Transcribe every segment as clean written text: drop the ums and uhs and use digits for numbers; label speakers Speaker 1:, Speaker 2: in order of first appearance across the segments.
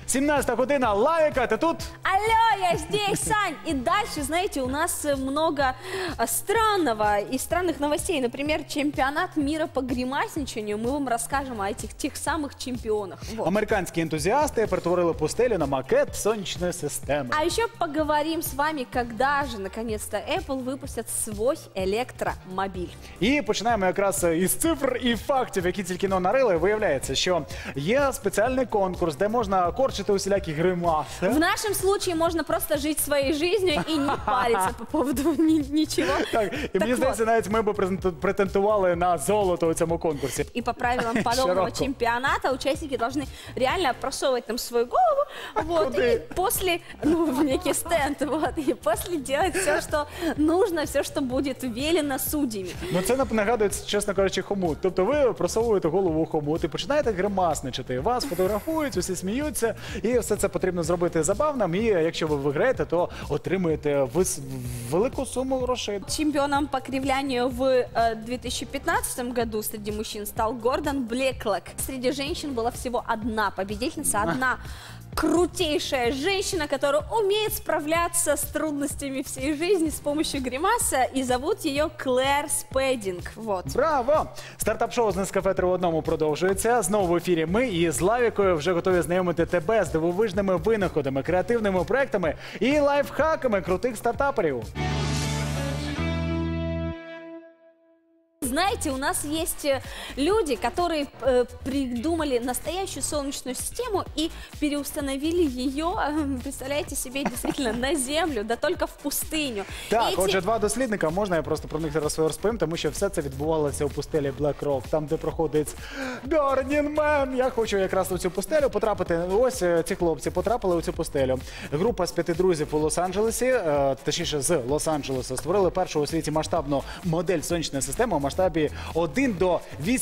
Speaker 1: 17 година, Лавіка, ти тут?
Speaker 2: Алло, я здесь, Сань! И дальше, знаете, у нас много странного и странных новостей. Например, чемпионат мира по гримасничанию. Мы вам расскажем о этих тех самых чемпионах. Вот.
Speaker 1: Американські ентузіасти перетворили пустелю на макет сонячної системи.
Speaker 2: А еще поговорим с вами, когда же, наконец-то, Apple выпустят свой электромобиль.
Speaker 1: І починаємо якраз із цифр і фактів, які тільки нарили. Виявляється, що є спеціальний конкурс, де можна корчити усілякі гримаси.
Speaker 2: В нашем случае можно просто жить своей жизнью и не париться по поводу ничего.
Speaker 1: Так, і мені здається, навіть ми б претендували на золото у цьому конкурсі.
Speaker 2: И по правилам подобного чемпионата участники должны реально просовывать там свою голову, вот, и после, в некий стенд, вот, и после делать все, что нужно, все, что будет велено судьями.
Speaker 1: Ну це нагадує, чесно кажучи, хомут. Тобто ви просовуєте голову у хомут і починаєте гримасничати. Вас фотографують, усі сміються, і все це потрібно зробити забавним. І якщо ви виграєте, то отримуєте велику суму грошей.
Speaker 2: Чемпионом по кривлянию в 2015 году среди мужчин стал Гордон Блеклок. Среди женщин была всего одна победительница, одна крутейшая женщина, которая умеет справляться с трудностями всей жизни с помощью гримаса, и зовут ее Клэр Спединг. Вот.
Speaker 1: Браво! Стартап-шоу з Нескафе 3 в одному продовжується. Знову в ефірі ми і з Лавікою вже готові знайомити тебе з дивовижними винаходами, креативними проектами і лайфхаками крутих стартаперів.
Speaker 2: Знаете, у нас есть люди, которые придумали настоящую солнечную систему и переустановили ее, представляете себе, действительно на землю, да только в пустыню.
Speaker 1: Так, отже, два дослідника, можна я просто про них зараз розповім, тому що все це відбувалося у пустелі Black Rock, там, де проходить Burning Man. Я хочу якраз у цю пустелю потрапити. Ось ці хлопці потрапили у цю пустелю. Група з 5 друзів у Лос-Анджелесі, точніше з Лос-Анджелеса, створили першу у світі масштабну модель сонячної системи у масштабі 1 до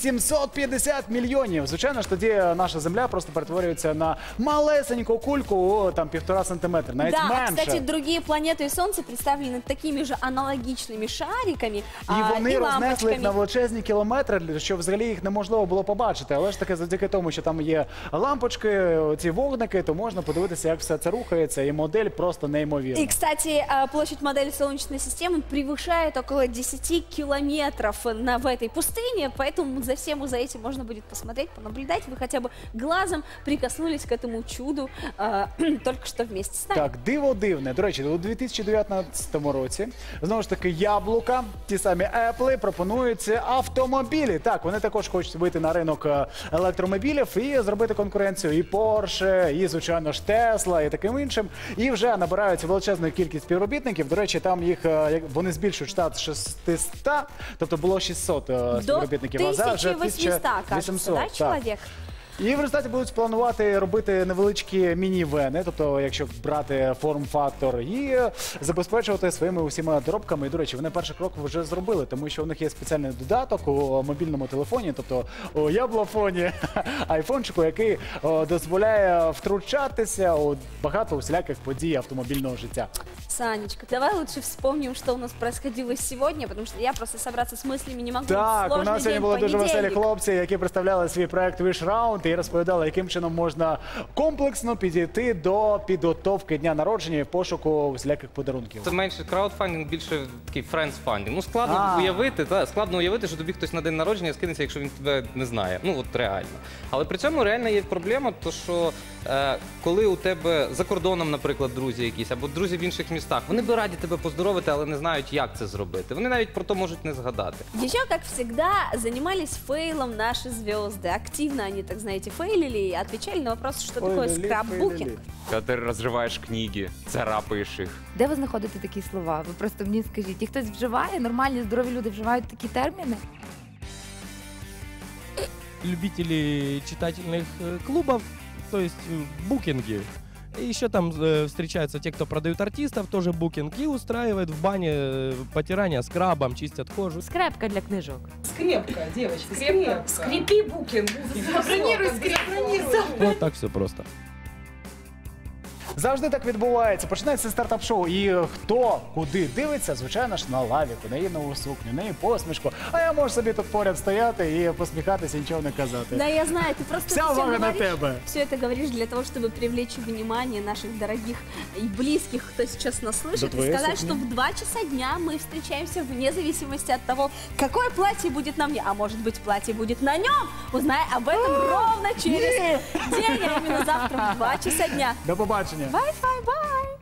Speaker 1: 850 мільйонів. Звичайно ж, тоді наша земля просто перетворюється на малесеньку кульку, там 1,5 сантиметра, навіть менше.
Speaker 2: Да, кстати, другие планеты и Солнце представлены такими же аналогичными шариками
Speaker 1: І вони
Speaker 2: и
Speaker 1: рознесли їх на
Speaker 2: лампочками.
Speaker 1: величезні кілометри, що взагалі їх неможливо було побачити. Але ж таки завдяки тому, що там є лампочки, ці вогники, то можна подивитися, як все це рухається, і модель просто неймовірна.
Speaker 2: И, кстати, площадь модели Солнечной системы превышает около 10 километров в этой пустыне, поэтому за всем за этим можно будет посмотреть, понаблюдать. Вы хотя бы глазом прикоснулись к этому чуду только что вместе с нами.
Speaker 1: Так, диво дивне. До речі, у 2019 році, знову ж таки, яблука, ті самі Apple, пропонують автомобілі. Так, вони також хочуть вийти на ринок електромобілів і зробити конкуренцію і Porsche, і, звичайно ж, Tesla, і таким іншим. І вже набирають величезну кількість співробітників. До речі, там їх, вони збільшують штат 600, тобто було 600 співробітників,
Speaker 2: До
Speaker 1: а зараз вже
Speaker 2: 1800, кажется, да, чоловік?
Speaker 1: І в результаті будуть планувати робити невеличкі міні-вени, тобто, якщо брати форм-фактор, і забезпечувати своїми усіма доробками. І, до речі, вони перший крок вже зробили, тому що у них є спеціальний додаток у мобільному телефоні, тобто у яблофоні, айфончику, який дозволяє втручатися у багато усіляких подій автомобільного життя.
Speaker 2: Санечка, давай лучше вспомним, что у нас происходило сегодня, потому что я просто собраться с мыслями не могу.
Speaker 1: Так, у нас сьогодні були дуже веселі
Speaker 2: понедельник.
Speaker 1: хлопці, які представляли свій проект Wish Round і розповідали, яким чином можна комплексно підійти до підготовки дня народження і пошуку всіляких подарунків.
Speaker 3: Це менше краудфандинг, більше такий френдсфандинг. Ну, складно уявити, що тобі хтось на день народження скинеться, якщо він тебе не знає. Ну, от реально. Але при цьому реально є проблема, то що коли у тебе за кордоном, наприклад, друзі якісь, або друзі в інших містах, вони би раді тебе поздоровити, але не знають, як це зробити. Вони навіть про то можуть не згадати.
Speaker 2: Еще, как всегда, занимались фейлом наши звезды. Активно они, так знаете, фейлили и отвечали на вопрос, что такое скраббукинг.
Speaker 4: Коли ти розриваєш книги, царапаєш їх.
Speaker 5: Де ви знаходите такі слова? Ви просто мені скажіть, і хтось вживає, нормальні, здорові люди вживають такі терміни?
Speaker 6: Любители читательных клубов, то есть букинги. И еще там встречаются те, кто продают артистов, тоже букинг, и устраивают в бане потирание скрабом, чистят кожу.
Speaker 5: Скрепка для книжок.
Speaker 7: Скрепка, девочка, скрепка. Скрепи букинг. Бронируй скрепку.
Speaker 6: Вот так все просто.
Speaker 1: Завжди так відбувається. Починається стартап-шоу. І хто куди дивиться, звичайно ж, на лавіку, на її нову сукню, на її посмішку. А я можу собі тут поряд стояти і посміхатися, нічого не казати.
Speaker 2: Да, я знаю, ты просто
Speaker 1: Вся увага на тебе.
Speaker 2: все это говоришь для того, чтобы привлечь внимание наших дорогих и близких, кто сейчас нас
Speaker 1: Да
Speaker 2: слышит, и
Speaker 1: твоя
Speaker 2: сказать,
Speaker 1: сукня.
Speaker 2: что в 2 часа дня мы встречаемся вне зависимости от того, какое платье будет на мне, а может быть платье будет на нем. Узнай об этом ровно через день, а именно завтра в 2 часа дня.
Speaker 1: До побачення.
Speaker 2: Bye-bye-bye!